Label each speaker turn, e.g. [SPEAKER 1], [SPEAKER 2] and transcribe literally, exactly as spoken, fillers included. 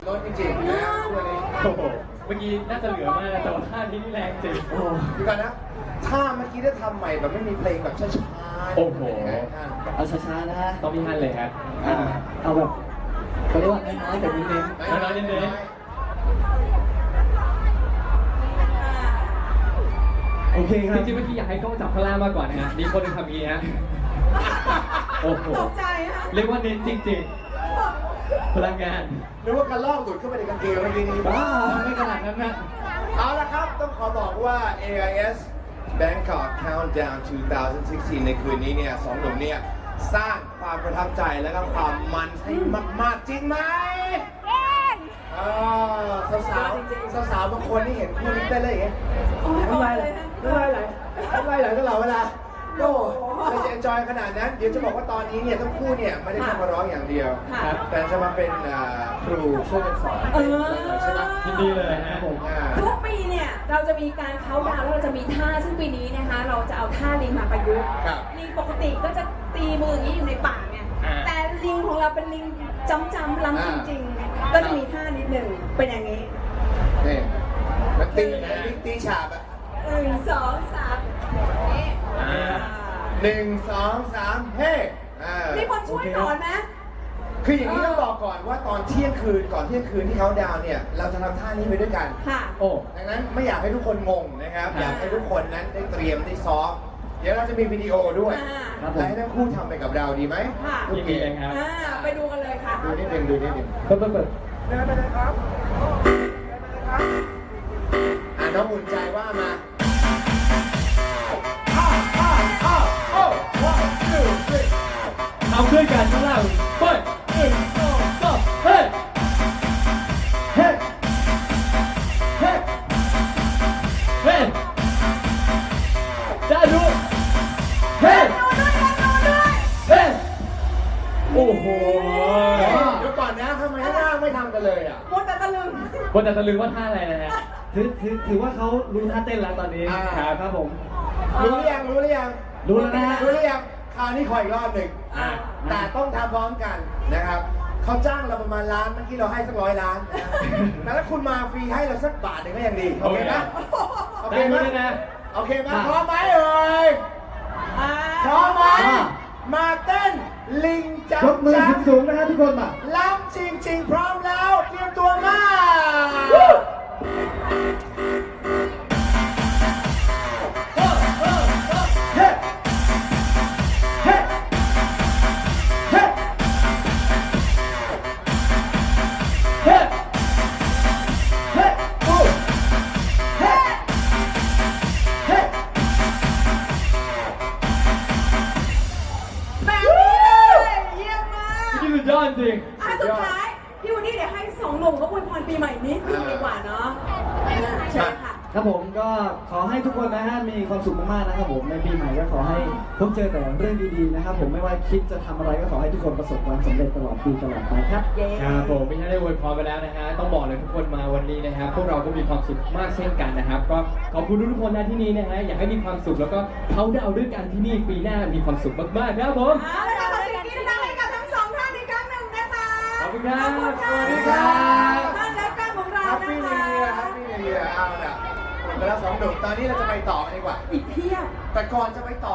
[SPEAKER 1] รถจริงๆนะตัวนี้
[SPEAKER 2] โอ้โหเมื่อกี้น่าจะเหลือมากนะแต่ว่าท่านี้นี่แรงจริงโอ้
[SPEAKER 1] ดูกันนะถ้าเมื่อกี้ได้ทำใหม่แบบไม่มีเพลงแบบช้าๆ
[SPEAKER 2] โอ้โห
[SPEAKER 3] เอาช้าๆนะฮะ
[SPEAKER 2] ต้องมีฮันเลยครับ
[SPEAKER 3] อ่าเอาแบบเขาเรียกว่าน้อยๆแต่เน้น
[SPEAKER 2] น้อยๆเน้น
[SPEAKER 3] ๆโอเคค
[SPEAKER 2] ๆ
[SPEAKER 3] รับ
[SPEAKER 2] จริงๆเมื่อกี้อยากให้กล้องจับข้างล่างมากกว่านะฮะมีคนหนึงทำอย่างนี้ฮะโอ้โห
[SPEAKER 4] ตกใจฮะ
[SPEAKER 2] เรียกว่าเน้นจริงๆพลังงาน
[SPEAKER 1] นึกว่ากระลอกหลุดเข้าไปในกางเกงเมื่อกี้นี้
[SPEAKER 3] บ้า
[SPEAKER 2] ไม่ขนาดนั้นนะ
[SPEAKER 1] เอาละครับ ต้องขอบอกว่า เอ ไอ เอส Bangkok Countdown สองพันสิบหก ในคืนนี้เนี่ยสองหนุ่มเนี่ยสร้างความประทับใจและก็ความมันให้มากๆจริงไหมอ่าสาวๆสาวๆบางคนที่เห็นคู่นี้เต้นเลยอย่างเงี้ย
[SPEAKER 4] โอ้ย
[SPEAKER 1] น้ำลาย
[SPEAKER 4] เล
[SPEAKER 1] ไหล
[SPEAKER 4] ยนะ
[SPEAKER 1] น้ำลายไหลน้ำลายไหลตลอดเวลาโอ้เราจะเอนจอยขนาดนั้น เดี๋ยวจะบอกว่าตอนนี้เนี่ยทั้งคู่เนี่ยไม่ได้แค่มาร้องอย่างเดียว
[SPEAKER 4] ค่ะ
[SPEAKER 1] แต่จะมาเป็นอ่าครูช่วยกันสอน
[SPEAKER 4] เออ
[SPEAKER 1] ใช่ไหม
[SPEAKER 2] ยินดีเลยฮะผม
[SPEAKER 1] อ่า
[SPEAKER 4] ทุกปีเนี่ยเราจะมีการเค้าน์ดาวน์แล้วเราจะมีท่าซึ่งปีนี้นะคะ เราจะเอาท่าลิงมาประยุกต์
[SPEAKER 1] ครับ
[SPEAKER 4] ลิงปกติก็จะตีมืออย่างนี้อยู่ในป่าไง
[SPEAKER 2] อ่า
[SPEAKER 4] แต่ลิงของเราเป็นลิงจำจำๆล้ำจริงๆ ก็จะมีท่านิดหนึ่งเป็นอย่างนี้
[SPEAKER 1] นี่มันตีนะลิงตีฉาบอะ
[SPEAKER 4] หนึ่งสองสามนี่
[SPEAKER 2] อ่า
[SPEAKER 1] หนึ่งสองสามเฮ้อ่า
[SPEAKER 4] มีคนช่วยสอนไหม
[SPEAKER 1] คืออย่างนี้ต้องบอกก่อนว่าตอนเที่ยงคืนก่อนเที่ยงคืนที่เขาดาวน์เนี่ยเราจะทำท่านี้ไปด้วยกัน
[SPEAKER 4] ค่ะ
[SPEAKER 2] โอ้
[SPEAKER 1] ดังนั้นไม่อยากให้ทุกคนงงนะครับ
[SPEAKER 2] ครับ
[SPEAKER 1] อยากให้ทุกคนนั้นได้เตรียมได้ซ้อมเดี๋ยวเราจะมีวิดีโอด้วย
[SPEAKER 4] อ่า
[SPEAKER 3] ครับผ
[SPEAKER 1] และ
[SPEAKER 3] ม
[SPEAKER 1] ให้ทั้งคู่ทำไปกับเราดีไหม
[SPEAKER 4] ค่ะ
[SPEAKER 2] ยินดีเลยครับ
[SPEAKER 4] อ่าไปดูกันเลยค่ะ
[SPEAKER 1] ดูนิดนึงดูนิดนึง
[SPEAKER 3] เปิดเปิดเปิด
[SPEAKER 1] เดินไปเลยครับเดินไปเลยครับอ่าน้องหมุนใจว่ามาอ้าวอ้าวอ้าวโอ้ one two three
[SPEAKER 2] เอาขึ้นกันข้างล่างไปหนึ่งสองสามเฮ้ย
[SPEAKER 1] เฮ้เฮ้
[SPEAKER 2] เฮ้ยได้ดู
[SPEAKER 1] เฮ้
[SPEAKER 4] ดูด้วยกันดูด้วย
[SPEAKER 2] เฮ้ยโอ้โห
[SPEAKER 1] เดี๋ยวก่อนนะทำไมข้างล่างไม่ทำกันเลยอ่ะ
[SPEAKER 4] มัวแต่ตะลึง
[SPEAKER 2] บนแต่ตะลึงว่าท่าอะไรนะฮะ
[SPEAKER 3] ถือถือถือว่าเขารู้ท่าเต้นแล้วตอนนี้
[SPEAKER 1] อ่า
[SPEAKER 3] ครับครับผม
[SPEAKER 1] รู้หรือยังรู้หรือยัง
[SPEAKER 3] รู้แล้วนะฮะ
[SPEAKER 1] รู้หรือยังคราวนี้ขออีกรอบหนึ่ง
[SPEAKER 2] อ่า
[SPEAKER 1] แต่ต้องทำพร้อมกันนะครับเขาจ้างเราประมาณล้านเมื่อกี้เราให้สักร้อยล้านนะแต่ถ้าคุณมาฟรีให้เราสักบาทหนึ่งก็ยังดีโอเคไหมโอเค
[SPEAKER 2] ได้
[SPEAKER 1] ไหม
[SPEAKER 2] ไหมนะ
[SPEAKER 1] โอเคไหมพร้อมไหมเอ่ย
[SPEAKER 4] อ่า
[SPEAKER 1] พร้อมไหมมาเต้นลิงจับ
[SPEAKER 3] ยกมือ
[SPEAKER 1] จับ
[SPEAKER 3] สูงๆนะฮะทุกคนมา
[SPEAKER 1] ล้ำจริงๆ พร้อมแล้วเตรียมตัวมาเฮ้เฮ้เฮ้เฮ้เฮ้โอ้เฮ้เฮ้
[SPEAKER 4] แบบนี้เลยเยี่ยมมาก
[SPEAKER 2] นี่สุดยอดจริง
[SPEAKER 4] อ่ะสุดท้ายพี่วันนี้เดี๋ยวให้สองหนุ่มเขาอวยพรปีใหม่นิดนึงดีกว่าเนาะอ่าเชิญค่ะ
[SPEAKER 3] ครับผมก็ขอให้ทุกคนนะฮะมีความสุขมากๆนะครับผมในปีใหม่ก็ขอให้พบเจอแต่เรื่องดีๆนะครับผมไม่ว่าคิดจะทำอะไรก็ขอให้ทุกคนประสบความสำเร็จตลอดปีตลอดไปครับ
[SPEAKER 4] เย้
[SPEAKER 2] ครับผมไม่ใช่ได้อวยพรไปแล้วนะฮะต้องบอกเลยทุกคนมาวันนี้นะครับพวกเราก็มีความสุขมากเช่นกันนะครับ ก็ขอบคุณทุกคนนะที่นี่นะฮะอยากให้มีความสุขแล้วก็เขาดาวด้วยกันที่นี่ปีหน้ามีความสุขมากๆครับผม
[SPEAKER 4] เอาละค่ะขอเสียงกรี๊ดดังๆให้กับทั้งสองท่านอีกครั้งหนึ่งนะคะ
[SPEAKER 2] ขอบคุณครับ
[SPEAKER 4] ขอบคุณค่ะ
[SPEAKER 1] สวัสดีครับ
[SPEAKER 4] ท่านและก้านของเรา
[SPEAKER 1] แฮป
[SPEAKER 4] นะ
[SPEAKER 1] ปี้นิว
[SPEAKER 4] คะ
[SPEAKER 1] เยียร์แฮปปี้นิวเยียร์เอาล่ะหมดไปแล้วสองหนุ่มตอนนี้เราจะไปต่อกันดีกว่า
[SPEAKER 4] อีกเพียบ
[SPEAKER 1] แต่ก่อนจะไปต่อ